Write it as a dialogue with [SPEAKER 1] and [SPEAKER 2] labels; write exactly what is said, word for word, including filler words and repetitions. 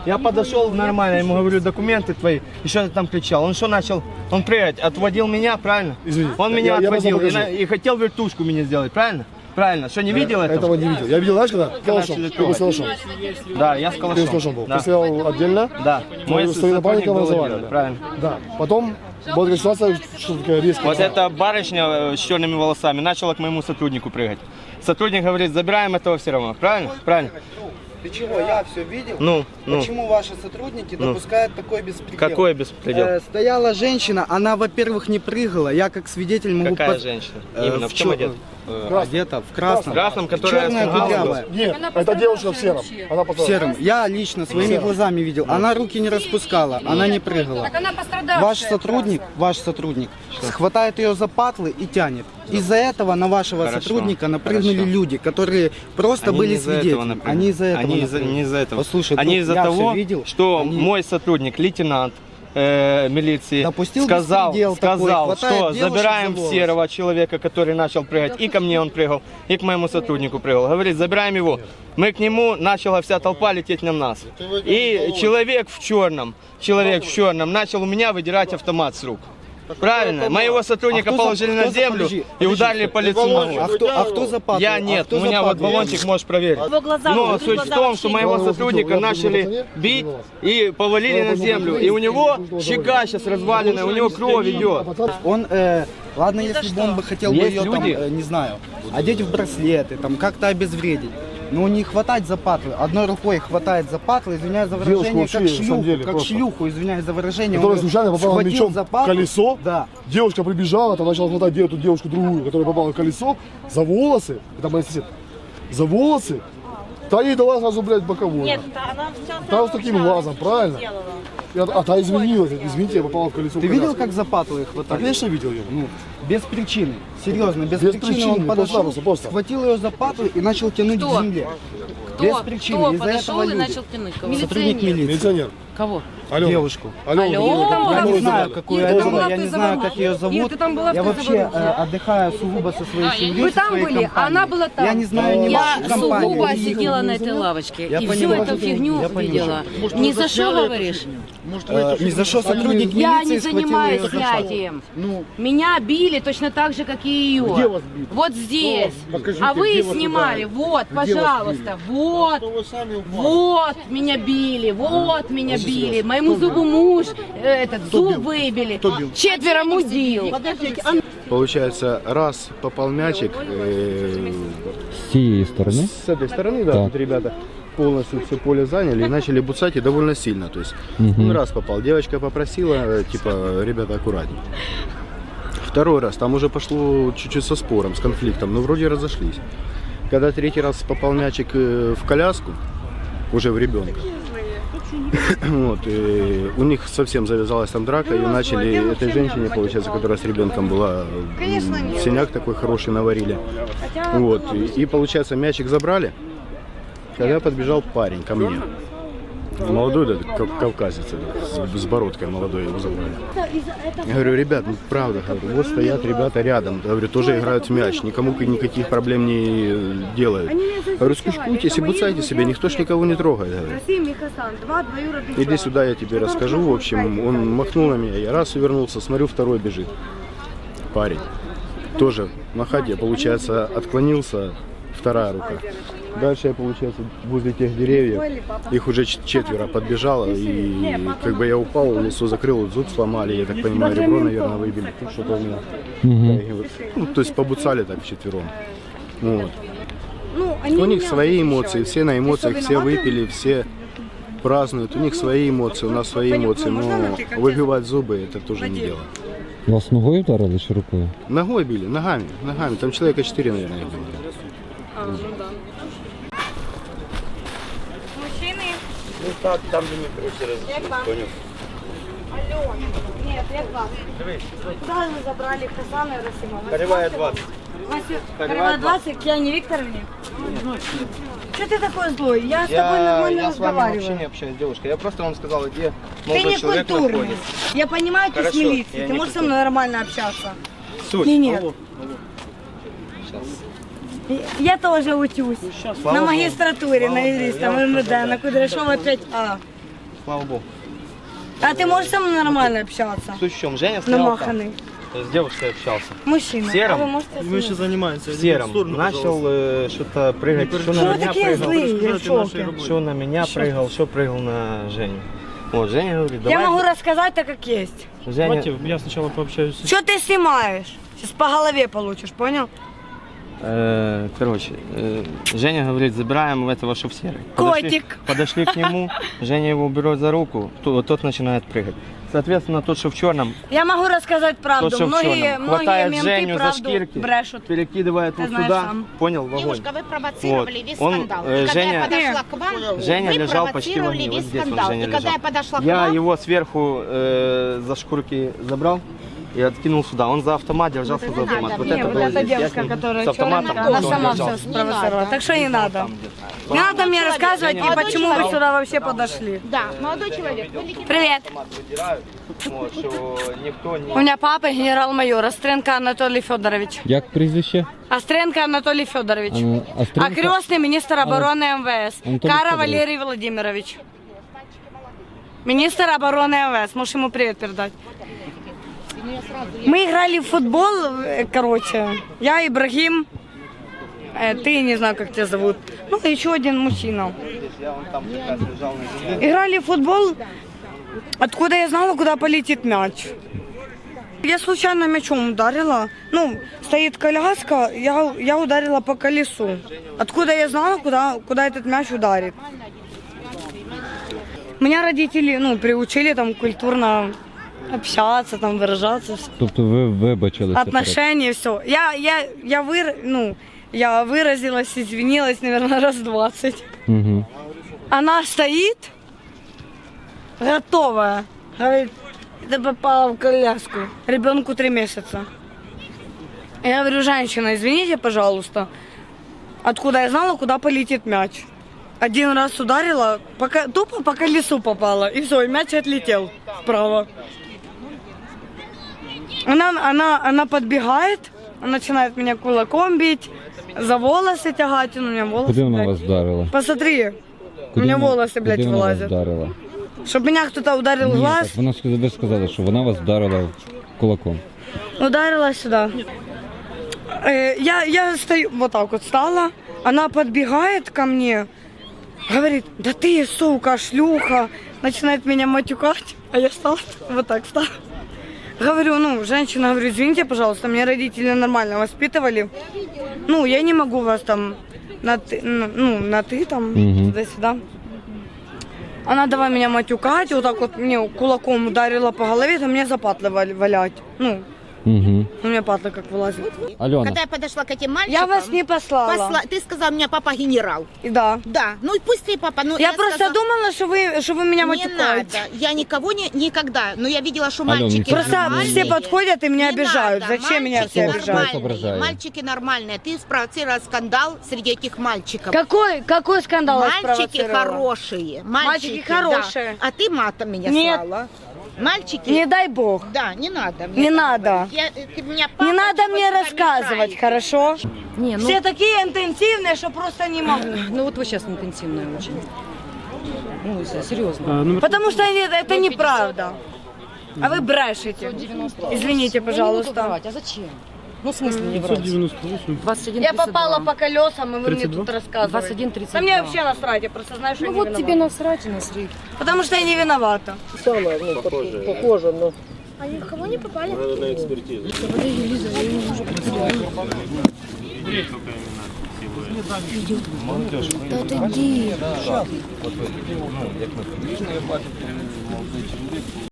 [SPEAKER 1] Я подошел нормально, ему говорю, документы твои, и что ты там кричал. Он что начал? Он прыгать, отводил меня, правильно?
[SPEAKER 2] Извини.
[SPEAKER 1] Он меня
[SPEAKER 2] я,
[SPEAKER 1] отводил
[SPEAKER 2] я
[SPEAKER 1] и, на, и хотел вертушку меня сделать, правильно? Правильно, что не видел этого?
[SPEAKER 2] Этого не видел. Я видел, знаешь, когда? Калашом. Ты был с калашом.
[SPEAKER 1] Да, я с калашом.
[SPEAKER 2] Ты с калашом был.
[SPEAKER 1] Да.
[SPEAKER 2] Ты стоял отдельно?
[SPEAKER 1] Да. Мой
[SPEAKER 2] С твоим напарником
[SPEAKER 1] был
[SPEAKER 2] разговаривали?
[SPEAKER 1] отдельно, правильно.
[SPEAKER 2] Да. Потом была такая ситуация, что такая резкая.
[SPEAKER 1] Вот эта барышня с черными волосами начала к моему сотруднику прыгать. Сотрудник говорит, забираем этого все равно, правильно? Правильно.
[SPEAKER 3] Ты чего? Я все видел.
[SPEAKER 1] Ну, ну.
[SPEAKER 3] Почему ваши сотрудники
[SPEAKER 1] Ну.
[SPEAKER 3] допускают такой беспредел?
[SPEAKER 1] Какой беспредел?
[SPEAKER 3] Э, стояла женщина, она, во-первых, не прыгала. Я как свидетель могу...
[SPEAKER 1] Какая
[SPEAKER 3] пос-
[SPEAKER 1] женщина?
[SPEAKER 3] Э,
[SPEAKER 1] Именно, в чем
[SPEAKER 3] чё-
[SPEAKER 1] одет?
[SPEAKER 3] э, одета в красном.
[SPEAKER 1] В красном, которая
[SPEAKER 3] Черная
[SPEAKER 1] с галстуком.
[SPEAKER 3] кудрявая.
[SPEAKER 2] Нет, это девушка в сером. Она
[SPEAKER 3] В
[SPEAKER 2] потом.
[SPEAKER 3] сером. Я лично своими глазами видел. Она руки не распускала, она не прыгала.
[SPEAKER 4] Так она пострадавшая.
[SPEAKER 3] Ваш сотрудник, ваш сотрудник схватает ее за патлы и тянет. Из-за этого на вашего
[SPEAKER 1] Хорошо,
[SPEAKER 3] сотрудника напрыгнули
[SPEAKER 1] хорошо.
[SPEAKER 3] люди, которые просто
[SPEAKER 1] Они
[SPEAKER 3] были
[SPEAKER 1] не из-за этого
[SPEAKER 3] свидетелями.
[SPEAKER 1] напрыгнули.
[SPEAKER 3] Они из-за этого.
[SPEAKER 1] Они из-за,
[SPEAKER 3] напрыгнули.
[SPEAKER 1] не из-за этого.
[SPEAKER 3] Послушай,
[SPEAKER 1] Они
[SPEAKER 3] ну,
[SPEAKER 1] из-за
[SPEAKER 3] я
[SPEAKER 1] того,
[SPEAKER 3] всё видел.
[SPEAKER 1] что
[SPEAKER 3] Они-
[SPEAKER 1] мой сотрудник, лейтенант э, милиции,
[SPEAKER 3] Допустил
[SPEAKER 1] сказал,
[SPEAKER 3] беспредел такой,
[SPEAKER 1] сказал
[SPEAKER 3] хватает
[SPEAKER 1] что
[SPEAKER 3] девушек
[SPEAKER 1] забираем
[SPEAKER 3] за волосы.
[SPEAKER 1] серого человека, который начал прыгать, и ко мне он прыгал, и к моему сотруднику прыгал. Говорит, забираем его. Мы к нему, начала вся толпа лететь на нас. И человек в черном, человек в черном начал у меня выдирать автомат с рук. Правильно, моего сотрудника
[SPEAKER 3] А кто за-
[SPEAKER 1] положили
[SPEAKER 3] кто
[SPEAKER 1] на
[SPEAKER 3] за-
[SPEAKER 1] землю
[SPEAKER 3] подожди,
[SPEAKER 1] и
[SPEAKER 3] подожди.
[SPEAKER 1] ударили по лицу ногой.
[SPEAKER 3] А кто, а кто за патлы?
[SPEAKER 1] Я
[SPEAKER 3] А
[SPEAKER 1] нет,
[SPEAKER 3] кто
[SPEAKER 1] у
[SPEAKER 3] за
[SPEAKER 1] меня вот
[SPEAKER 3] патлы?
[SPEAKER 1] баллончик, можешь проверить.
[SPEAKER 4] Его глаза
[SPEAKER 1] Но
[SPEAKER 4] вот,
[SPEAKER 1] суть
[SPEAKER 4] глаза
[SPEAKER 1] в том, что
[SPEAKER 4] вообще
[SPEAKER 1] моего
[SPEAKER 2] нет.
[SPEAKER 1] сотрудника
[SPEAKER 2] Я
[SPEAKER 1] начали
[SPEAKER 2] был
[SPEAKER 1] бить и повалили на землю. И у него щека сейчас разваленная, у него кровь идет.
[SPEAKER 3] Он, э, ладно, если бы он бы хотел бы
[SPEAKER 1] Есть
[SPEAKER 3] ее там,
[SPEAKER 1] люди.
[SPEAKER 3] э, не знаю, одеть в браслеты, там как-то обезвредить. Но не хватать за патлы. Одной рукой хватает за патлы, извиняюсь за
[SPEAKER 2] Девушка
[SPEAKER 3] выражение,
[SPEAKER 2] вообще,
[SPEAKER 3] как
[SPEAKER 2] на самом
[SPEAKER 3] шлюху,
[SPEAKER 2] деле,
[SPEAKER 3] как
[SPEAKER 2] просто.
[SPEAKER 3] шлюху, извиняюсь за выражение.
[SPEAKER 2] Которая
[SPEAKER 3] Он
[SPEAKER 2] случайно попала
[SPEAKER 3] схватил
[SPEAKER 2] мячом
[SPEAKER 3] за
[SPEAKER 2] в
[SPEAKER 3] патлы.
[SPEAKER 2] колесо.
[SPEAKER 3] Да.
[SPEAKER 2] Девушка прибежала, там начала хватать эту девушку другую, которая попала в колесо, за волосы. Это моя сосед. За волосы. Та ей дала сразу, блядь, боковую.
[SPEAKER 4] Нет, она все
[SPEAKER 2] Та вот с таким глазом, правильно? И, а, а та извинилась, извините, я попала в колесо.
[SPEAKER 3] Ты
[SPEAKER 2] в
[SPEAKER 3] видел,
[SPEAKER 2] коляску.
[SPEAKER 3] как за патлы их
[SPEAKER 2] Да,
[SPEAKER 3] хватали?
[SPEAKER 2] конечно, видел ее.
[SPEAKER 3] Ну, без причины. Серьезно, без,
[SPEAKER 2] Без
[SPEAKER 3] причины,
[SPEAKER 2] причины,
[SPEAKER 3] он подошел,
[SPEAKER 2] просто, просто.
[SPEAKER 3] схватил ее за патлы и начал тянуть
[SPEAKER 4] Кто?
[SPEAKER 3] к земле.
[SPEAKER 4] Кто?
[SPEAKER 3] Без причины.
[SPEAKER 4] Кто
[SPEAKER 3] Из-за
[SPEAKER 4] подошел
[SPEAKER 3] этого
[SPEAKER 4] и
[SPEAKER 3] люди.
[SPEAKER 4] начал тянуть кого?
[SPEAKER 3] Сотрудник милиции.
[SPEAKER 2] Милиционер.
[SPEAKER 4] Кого?
[SPEAKER 2] Алена.
[SPEAKER 3] Девушку.
[SPEAKER 2] Алена.
[SPEAKER 4] Алена.
[SPEAKER 3] Я не
[SPEAKER 2] Алена
[SPEAKER 3] знаю,
[SPEAKER 2] забрали.
[SPEAKER 3] какую
[SPEAKER 4] Нет,
[SPEAKER 3] Алену,
[SPEAKER 4] ты была
[SPEAKER 3] я
[SPEAKER 4] в
[SPEAKER 3] не знаю,
[SPEAKER 4] Заволжье.
[SPEAKER 3] как ее зовут.
[SPEAKER 4] Нет, ты там была в
[SPEAKER 3] я вообще
[SPEAKER 4] Заволжье.
[SPEAKER 3] э, отдыхаю сугубо со своей семьей.
[SPEAKER 4] Вы
[SPEAKER 3] со
[SPEAKER 4] там
[SPEAKER 3] своей
[SPEAKER 4] были, а
[SPEAKER 3] компанией.
[SPEAKER 4] она была там.
[SPEAKER 3] Я не знаю ни
[SPEAKER 4] Я
[SPEAKER 3] вашей компании.
[SPEAKER 4] сугубо
[SPEAKER 3] ни их.
[SPEAKER 4] сидела на этой лавочке
[SPEAKER 3] Я
[SPEAKER 4] и всю
[SPEAKER 3] понимаю,
[SPEAKER 4] эту фигню
[SPEAKER 3] я понимаю.
[SPEAKER 4] видела. Ни за что говоришь?
[SPEAKER 3] Э, Ни за что сотрудник
[SPEAKER 4] Я
[SPEAKER 3] милиции
[SPEAKER 4] не
[SPEAKER 3] схватил
[SPEAKER 4] занимаюсь
[SPEAKER 3] ее за патлы.
[SPEAKER 4] снятием.
[SPEAKER 2] Ну,
[SPEAKER 4] Меня били точно так же, как и ее.
[SPEAKER 2] Где вас били?
[SPEAKER 4] Вот здесь.
[SPEAKER 2] Покажите,
[SPEAKER 4] А вы
[SPEAKER 2] где вас
[SPEAKER 4] снимали.
[SPEAKER 2] ударили?
[SPEAKER 4] Вот,
[SPEAKER 2] Где вас
[SPEAKER 4] пожалуйста. Вот.
[SPEAKER 2] вы сами упали.
[SPEAKER 4] Вот меня били, вот меня били. Моему зубу муж э, этот зуб выбили. Четверо мудил.
[SPEAKER 5] Получается, раз попал мячик э,
[SPEAKER 6] С цієї сторони.
[SPEAKER 5] с этой стороны, да,
[SPEAKER 6] Так.
[SPEAKER 5] тут ребята полностью все поле заняли и начали буцать и довольно сильно. То есть
[SPEAKER 6] Мгм.
[SPEAKER 5] он раз попал, девочка попросила, э, типа, ребята, аккуратней. Второй раз, там уже пошло чуть-чуть со спором, с конфликтом, но вроде разошлись. Когда третий раз попал мячик э, в коляску, уже в ребенка, вот, и у них совсем завязалась там драка, и начали этой женщине, получается, которая с ребенком была, м, синяк такой хороший наварили. Вот, и, и, получается, мячик забрали, когда подбежал парень ко мне. Молодой, да, кав- кавказец, с, с бородкой молодой, его забрали. Я говорю, ребят, ну правда, говорю, вот стоят ребята рядом, говорю, тоже играют в мяч, никому никаких проблем не э, делают. Говорю, скучкуйтесь и буцайте себе, никто ж никого не трогает. Говорю. Иди сюда, я тебе расскажу. В общем, он махнул на меня, я раз увернулся, смотрю, второй бежит. Парень. Тоже махать, я, получается, отклонился, вторая рука. Дальше я, получается, возле тех деревьев, их уже ч- четверо подбежало, и как бы я упал, лицо закрыл, зуб сломали, я так понимаю, ребро, наверное, выбили, ну, что-то у меня.
[SPEAKER 6] Угу.
[SPEAKER 5] Ну, то есть побуцали так вчетвером. Вот. У них свои эмоции, все на эмоциях, все выпили, все празднуют, у них свои эмоции, у нас свои эмоции, но выбивать зубы это тоже не дело.
[SPEAKER 6] Вас ногою вдарили чи рукою?
[SPEAKER 5] Ногой били, ногами, ногами, там человека четыре, наверное, их было.
[SPEAKER 4] Мужчины.
[SPEAKER 1] Ну так, там де ми через. Понял.
[SPEAKER 7] Алло, нет, я к вам. Куда вы забрали Хасана и Расима?
[SPEAKER 1] Кривая двадцать.
[SPEAKER 7] Васю,
[SPEAKER 1] Кривая
[SPEAKER 7] Кривая двадцать, к Яне Викторовне? Что ты такой злой? Я с тобой
[SPEAKER 1] Я,
[SPEAKER 7] нормально
[SPEAKER 1] я с вами вообще не
[SPEAKER 7] разговариваю.
[SPEAKER 1] общаюсь, девушка. Я просто вам сказал, где
[SPEAKER 7] Ты
[SPEAKER 1] молодой
[SPEAKER 7] не
[SPEAKER 1] человек
[SPEAKER 7] культурный.
[SPEAKER 1] находится.
[SPEAKER 7] Я понимаю, ты с
[SPEAKER 1] Хорошо,
[SPEAKER 7] милицией.
[SPEAKER 1] я
[SPEAKER 7] Ты
[SPEAKER 1] не
[SPEAKER 7] можешь со
[SPEAKER 1] культурный.
[SPEAKER 7] мной нормально общаться?
[SPEAKER 1] Суть.
[SPEAKER 7] Или нет?
[SPEAKER 1] Алло, алло. Сейчас.
[SPEAKER 7] Я тоже учусь.
[SPEAKER 1] Слава
[SPEAKER 7] На
[SPEAKER 1] Богу.
[SPEAKER 7] магистратуре, на юриста, в МВД, на Кудряшова пять А.
[SPEAKER 1] слава богу.
[SPEAKER 7] А ты можешь со мной нормально общаться?
[SPEAKER 1] Суть в чем, Женя стоял там,
[SPEAKER 7] Намаханный.
[SPEAKER 1] с девушкой общался.
[SPEAKER 7] Мужчина.
[SPEAKER 1] В сером?
[SPEAKER 7] А вы можете со мной?
[SPEAKER 8] занимаемся.
[SPEAKER 1] В сером. Начал э, что-то прыгать, что
[SPEAKER 7] Что
[SPEAKER 1] на
[SPEAKER 7] вы
[SPEAKER 1] меня
[SPEAKER 7] такие
[SPEAKER 1] прыгал,
[SPEAKER 7] злые? Я в шоке.
[SPEAKER 1] что на меня прыгал, что прыгал на Женю. Вот, Женя говорит,
[SPEAKER 7] Я
[SPEAKER 1] давай.
[SPEAKER 7] могу рассказать так, как есть.
[SPEAKER 1] Женя,
[SPEAKER 8] я сначала пообщаюсь.
[SPEAKER 7] Что ты снимаешь? Сейчас по голове получишь, понял?
[SPEAKER 1] э, короче, э, Женя говорит, забираем этого, что в серый.
[SPEAKER 7] Котик.
[SPEAKER 1] Подошли, подошли к нему, Женя его берет за руку, то- тот начинает прыгать. Соответственно, тот, что в черном,
[SPEAKER 7] Я могу рассказать правду.
[SPEAKER 1] тот, что в
[SPEAKER 7] Многие,
[SPEAKER 1] черном,
[SPEAKER 7] многие
[SPEAKER 1] хватает
[SPEAKER 7] менты
[SPEAKER 1] Женю за
[SPEAKER 7] правду
[SPEAKER 1] шкирки,
[SPEAKER 7] брешут.
[SPEAKER 1] перекидывает
[SPEAKER 7] Ты
[SPEAKER 1] вот
[SPEAKER 7] знаешь
[SPEAKER 1] сюда,
[SPEAKER 7] сам.
[SPEAKER 1] понял, в огонь.
[SPEAKER 9] Девушка, вы провоцировали
[SPEAKER 1] Вот.
[SPEAKER 9] весь
[SPEAKER 1] Он,
[SPEAKER 9] скандал.
[SPEAKER 1] э,
[SPEAKER 9] И когда
[SPEAKER 1] Женя-
[SPEAKER 9] я подошла к вам,
[SPEAKER 1] Женя
[SPEAKER 9] вы
[SPEAKER 1] лежал почти во
[SPEAKER 9] провоцировали
[SPEAKER 1] мне, вот
[SPEAKER 9] весь
[SPEAKER 1] здесь он,
[SPEAKER 9] скандал.
[SPEAKER 1] Женя
[SPEAKER 9] И когда
[SPEAKER 1] лежал.
[SPEAKER 9] я подошла к
[SPEAKER 1] Я
[SPEAKER 9] вам,
[SPEAKER 1] его сверху э, за шкурки забрал и откинул сюда. Он за автомат держался за автомат.
[SPEAKER 9] надо.
[SPEAKER 1] Вот
[SPEAKER 9] Не,
[SPEAKER 1] это
[SPEAKER 7] вот
[SPEAKER 1] было
[SPEAKER 7] эта
[SPEAKER 1] здесь. Я с
[SPEAKER 7] девушка,
[SPEAKER 1] ним
[SPEAKER 7] которая
[SPEAKER 1] с автоматом
[SPEAKER 7] черная, она
[SPEAKER 1] тоже
[SPEAKER 7] сама
[SPEAKER 1] держался.
[SPEAKER 7] все спровоцировала. Так что не надо. Не надо мне рассказывать, и
[SPEAKER 9] Молодой
[SPEAKER 7] почему вы
[SPEAKER 9] человек.
[SPEAKER 7] сюда вообще подошли.
[SPEAKER 9] да, молодой человек, вы легитимный.
[SPEAKER 7] Привет.
[SPEAKER 1] Вот, що ніхто не...
[SPEAKER 7] У меня папа генерал-майор Остренко Анатолий Федорович.
[SPEAKER 6] Як прізвище?
[SPEAKER 7] Остренко Анатолий Федорович.
[SPEAKER 6] Ана-
[SPEAKER 7] А
[SPEAKER 6] Остренко?
[SPEAKER 7] крестный министр обороны МВС.
[SPEAKER 6] Анатолий
[SPEAKER 7] Кара
[SPEAKER 6] Федорович.
[SPEAKER 7] Валерий Владимирович. Министр обороны МВС. Можешь ему привет передать. Мы играли в футбол, э, короче. Я, Ибрагим. э, Ты, не знаю, как тебя зовут. Ну, еще один мужчина. Играли в футбол. Откуда я знала, куда полетит мяч? Я случайно мячом ударила. Ну, стоит коляска, я, я ударила по колесу. Откуда я знала, куда, куда этот мяч ударит? Меня родители, ну, приучили там культурно общаться, там выражаться,
[SPEAKER 6] Тобто ви вибачилися?
[SPEAKER 7] отношения, все. Я, я, я, выр, ну, я выразилась, извинилась, наверное, раз двадцать.
[SPEAKER 6] Угу.
[SPEAKER 7] Она стоит, готовая. Говорит, ты попала в коляску. Ребенку три месяца. Я говорю, женщина, извините, пожалуйста. Откуда я знала, куда полетит мяч? Один раз ударила, пока, тупо по колесу попала. И все, и мяч отлетел вправо. Она, она, она подбегает, она начинает меня кулаком бить, за волосы тягать. У меня волосы,
[SPEAKER 6] Куди вона
[SPEAKER 7] блядь.
[SPEAKER 6] вас вдарила?
[SPEAKER 7] Посмотри, у
[SPEAKER 6] Куди
[SPEAKER 7] меня
[SPEAKER 6] вона-
[SPEAKER 7] волосы, блядь,
[SPEAKER 6] куди вона вас
[SPEAKER 7] вылазят.
[SPEAKER 6] вдарила?
[SPEAKER 7] Чтобы меня кто-то ударил в
[SPEAKER 6] Ні,
[SPEAKER 7] глаз,
[SPEAKER 6] так вона сказала, ви сказали, що вона вас вдарила кулаком.
[SPEAKER 7] ударила сюда. Э, я, я стою, вот так вот стала, она подбегает ко мне, говорит, да ты, сука, шлюха, начинает меня матюкать, а я стала вот так стала. Говорю, ну, женщина, говорю, извините, пожалуйста, меня родители нормально воспитывали. Ну, я не могу вас там на ты, ну, ну, на ты там,
[SPEAKER 6] Мгм.
[SPEAKER 7] туда-сюда. Она давай меня матюкать, вот так вот мне кулаком ударила по голове, там мне запатлы вал- валять. Ну,
[SPEAKER 6] Угу.
[SPEAKER 7] у меня патлы как вылазят.
[SPEAKER 6] Альона,
[SPEAKER 9] Когда я подошла к этим мальчикам,
[SPEAKER 7] Я вас не послала.
[SPEAKER 9] посла- ты сказал, у меня папа генерал.
[SPEAKER 7] И да.
[SPEAKER 9] Да, ну и пусть ты папа. Ну,
[SPEAKER 7] Я, просто
[SPEAKER 9] сказала,
[SPEAKER 7] думала, что вы, что вы меня
[SPEAKER 9] не
[SPEAKER 7] матюкаете.
[SPEAKER 9] надо. Я никого не, никогда. Но я видела, что
[SPEAKER 6] Алло,
[SPEAKER 9] мальчики
[SPEAKER 6] Михаил,
[SPEAKER 7] Просто
[SPEAKER 9] нормальные.
[SPEAKER 7] все подходят и меня
[SPEAKER 9] Не
[SPEAKER 7] обижают.
[SPEAKER 9] надо,
[SPEAKER 7] Зачем меня
[SPEAKER 9] мальчики
[SPEAKER 7] все
[SPEAKER 6] Кто вас
[SPEAKER 7] обижают?
[SPEAKER 9] нормальные,
[SPEAKER 6] ображает?
[SPEAKER 9] Мальчики нормальные. Ты спровоцировала скандал среди этих мальчиков.
[SPEAKER 7] Какой, какой скандал я
[SPEAKER 9] Мальчики
[SPEAKER 7] спровоцировала?
[SPEAKER 9] хорошие.
[SPEAKER 7] Мальчики хорошие.
[SPEAKER 9] Да. А ты матом меня
[SPEAKER 7] Нет.
[SPEAKER 9] слала. Мальчики.
[SPEAKER 7] Не дай бог.
[SPEAKER 9] Да, не надо.
[SPEAKER 7] Не надо.
[SPEAKER 9] Я, ты меня
[SPEAKER 7] Не
[SPEAKER 9] папа
[SPEAKER 7] надо
[SPEAKER 9] чего
[SPEAKER 7] мне
[SPEAKER 9] сюда
[SPEAKER 7] рассказывать,
[SPEAKER 9] мешает.
[SPEAKER 7] хорошо?
[SPEAKER 10] Не, ну,
[SPEAKER 7] Все такие интенсивные, что просто не могу.
[SPEAKER 10] ну вот вы сейчас интенсивная очень. Ну, с- серьезно.
[SPEAKER 7] Потому что они- это неправда. А вы брешете. Извините,
[SPEAKER 10] Я не буду
[SPEAKER 7] пожалуйста.
[SPEAKER 10] врать. А зачем? Ну, в смысле не врать? двадцать один
[SPEAKER 7] Я
[SPEAKER 10] тридцать
[SPEAKER 7] попала
[SPEAKER 10] два.
[SPEAKER 7] по колесам, и вы мне тут рассказываете.
[SPEAKER 10] двадцать один тридцать
[SPEAKER 7] Да мне
[SPEAKER 10] два.
[SPEAKER 7] вообще насрать, я просто знаю, что
[SPEAKER 10] Ну
[SPEAKER 7] я не
[SPEAKER 10] вот
[SPEAKER 7] виновата.
[SPEAKER 10] тебе насрать и насрать.
[SPEAKER 7] Потому что я не виновата. А никого не попали?
[SPEAKER 1] Молодежь.
[SPEAKER 7] Да отойди.
[SPEAKER 1] От ви, ну, як ми